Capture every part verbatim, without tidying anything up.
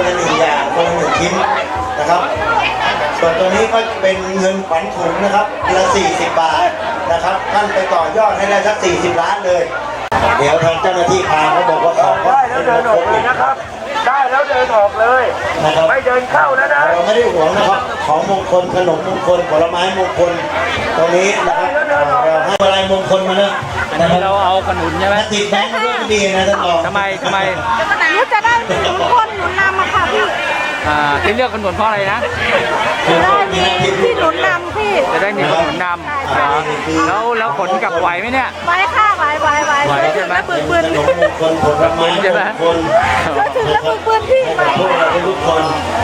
ละหนึ่งอย่างคนละหนึ่งชิ้นนะครับส่วนตัวนี้ก็เป็นเงินขวัญถุงนะครับละสี่สิบบาทนะครับท่านไปต่อยอดให้ได้สักสี่สิบล้านเลยเดี๋ยวทางเจ้าหน้าที่พาเขาบอกว่าของได้แล้วเดินออกเลยนะครับได้แล้วเดินออกเลยนะครับไม่เดินเข้าแล้วนะเราไม่ได้หวงนะครับของมงคลขนมมงคลผลไม้มงคลตรงนี้นะครับเราให้อะไรมงคลมาเนี่ยอันนี้เราเอาขนุนใช่ไหมติดแบงค์มาด้วยดีนะท่านรองทำไมทำไมนี่จะได้มีคนหนุนนำมาค่ะพี่อ่าที่เลือกขนุนเพราะอะไรนะจะได้มีที่หนุนนำพี่จะได้มีขนุนนำแล้วแล้วขนกลับไหวไหมเนี่ยไหวค่ะไหวไหวไหวไหวถึงแล้วปืนปืนขนมมงคลผลไม้มงคลแล้วถึงแล้วปืนปืนพี่ไหวพวกเราทุกคน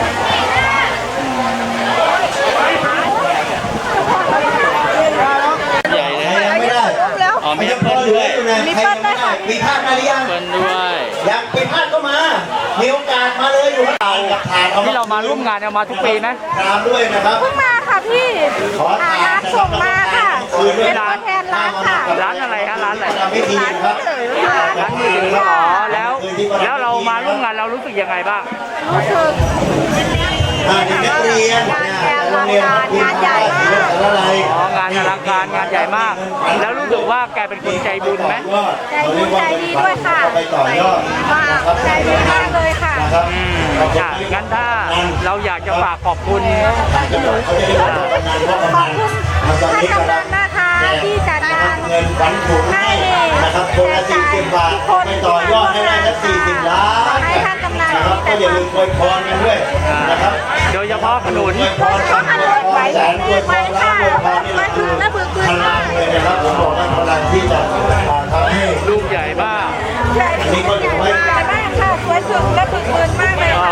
ใหญ่เลยยังไม่ได้อ๋อมีเปิ้ลด้วยมีเปิ้ลได้ค่ะมีพลาดมาหรือยังเปิ้ลด้วยอยากมีพลาดก็มามีโอกาสมาเลยอยู่ข้างหลังกับทานที่เรามาร่วมงานเรามาทุกปีไหมตามด้วยนะครับเพิ่งมาค่ะพี่ร้านส่งมาค่ะเป็นตัวแทนร้านค่ะร้านอะไรฮะร้านอะไรร้านไม่ดีครับร้านมือถืออ๋อแล้วแล้วเรามาร่วมงานเรารู้สึกยังไงบ้างรู้สึกเด็กนักเรียนโรงเรียนงานใหญ่มากอ๋องานอลังการงานใหญ่มากแล้วรู้สึกว่าแกเป็นคนใจบุญไหมใจบุญใจดีด้วยค่ะไปต่อยอดใจดีมากเลยค่ะอืมงั้นถ้าเราอยากจะฝากขอบคุณขอบคุณท่านกำนันนะคะที่จัดงานเงินขวัญถุงให้นะครับคนละสี่สิบบาทไปต่อยอดให้ได้สักสี่สิบล้านให้ท่านกำนันนะครับก็อย่าลืมอวยพรกันด้วยนะครับโดยเฉพาะขนุนอวยพรกันไหวแสนอวยพรล้านอวยพรนี่คือพลังเลยนะครับผมบอกว่าพลังที่จะทำให้ลูกใหญ่มากอันนี้ก็ถือว่าใหญ่มากค่ะสวยสุดและบึกบืนมากเลย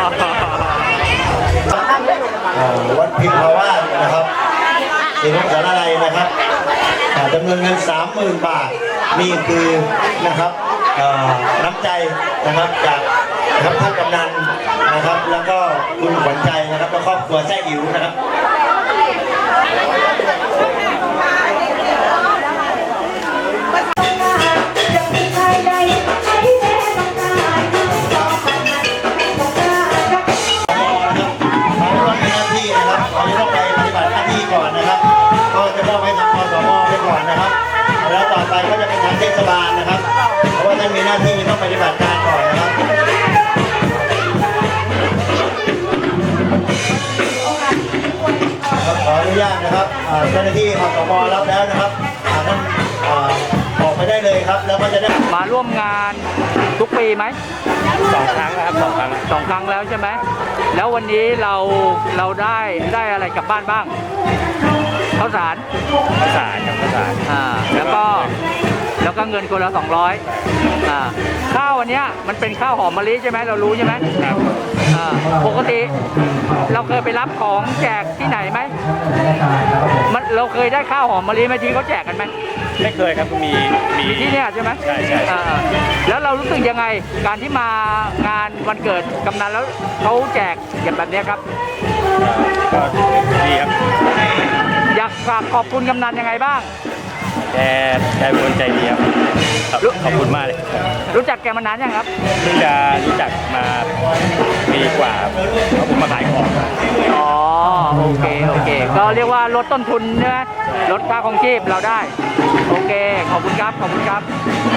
วัดพิมพาวาสนะครับสิริสารอะไรนะครับจำนวนเงินสามหมื่นบาทนี่คือนะครับน้ำใจนะครับจากนะครับท่านกำนันนะครับแล้วก็คุณขวัญใจนะครับและครอบครัวแท้อิ๋วนะครับแล้วต่อไปก็จะเป็นทางเทศบาลนะครับเพราะว่าท่านมีหน้าที่ต้องปฏิบัติการก่อนนะครับขออนุญาตนะครับเจ้าหน้าที่อสม.รับแล้วนะครับท่านออกไปได้เลยครับแล้วก็จะได้มาร่วมงานทุกปีไหมสองครั้งนะครับสองครั้งสองครั้งแล้วใช่ไหมแล้ววันนี้เราเราได้ได้อะไรกลับบ้านบ้างข้าวสารข้าวสารกับข้าวสารอ่าแล้วก็แล้วก็เงินคนละสองร้อยอ่าข้าวอันเนี้ยมันเป็นข้าวหอมมะลิใช่ไหมเรารู้ใช่ไหมครับอ่าปกติเราเคยไปรับของแจกที่ไหนไหมมันเราเคยได้ข้าวหอมมะลิไหมที่เขาแจกกันไหมไม่เคยครับมีมีที่เนี่ยใช่ไหมใช่ใช่แล้วเรารู้สึกยังไงการที่มางานวันเกิดกำนันแล้วเขาแจกอย่างแบบนี้ครับก็ดีครับอยากฝากขอบคุณกำนันยังไงบ้างแกแกเป็นคนใจดีครับขอบคุณมากเลยรู้จักแกมานานยังครับเพิ่งจะรู้จักมาปีกว่าเพราะผมมาขายของอ๋อโอเคโอเคก็เรียกว่าลดต้นทุนใช่ไหมลดค่าครองชีพเราได้โอเคขอบคุณครับขอบคุณครับ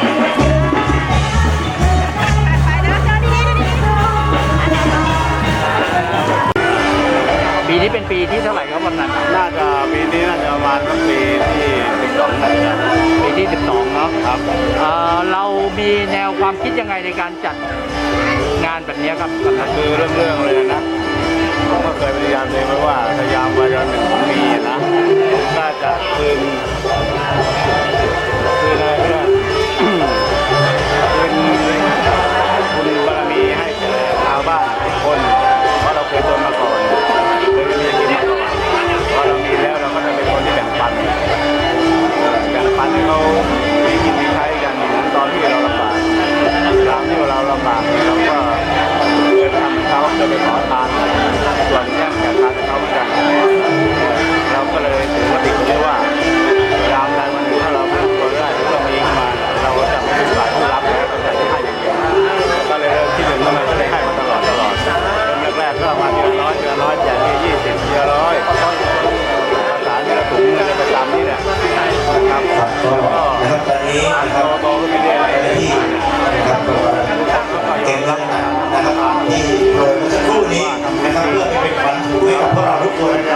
ปีนี้เป็นปีที่เท่าไหร่ครับวันนั้นน่าจะปีนี้น่าจะประมาณปีที่สิบสองปีที่สิบสองเนาะครับเรามีแนวความคิดยังไงในการจัดงานแบบนี้ครับคือเรื่องเรื่องเลยนะผมก็เคยพยายามเลยว่าพยายามมาจนถึงปีนะน่าจะคืนคืนอะไรเนี่ยคืนคุณบารมีให้แก่ชาวบ้านทุกคนเพราะเราเคยจนมาก่อนเคยมีกินมาก่อนพอเรามีแล้วเราก็จะเป็นคนที่แบ่งปันแบ่งปันให้เขามีกินมีใช้กันเหมือนตอนที่เราลำบากตามที่เราลำบากเราก็เดินทำเขาจะไปขอทานส่วนแย่งแก่ทานเขาเหมือนกันเราก็เลยถือว่าติดเรียกว่านี้นะครับเจ้าหน้าที่นะครับเก่งแล้วนะครับที่โปรยเมื่อสักครู่นี้นะครับเพื่อเป็นขวัญถุงให้กับพวกเราทุกคน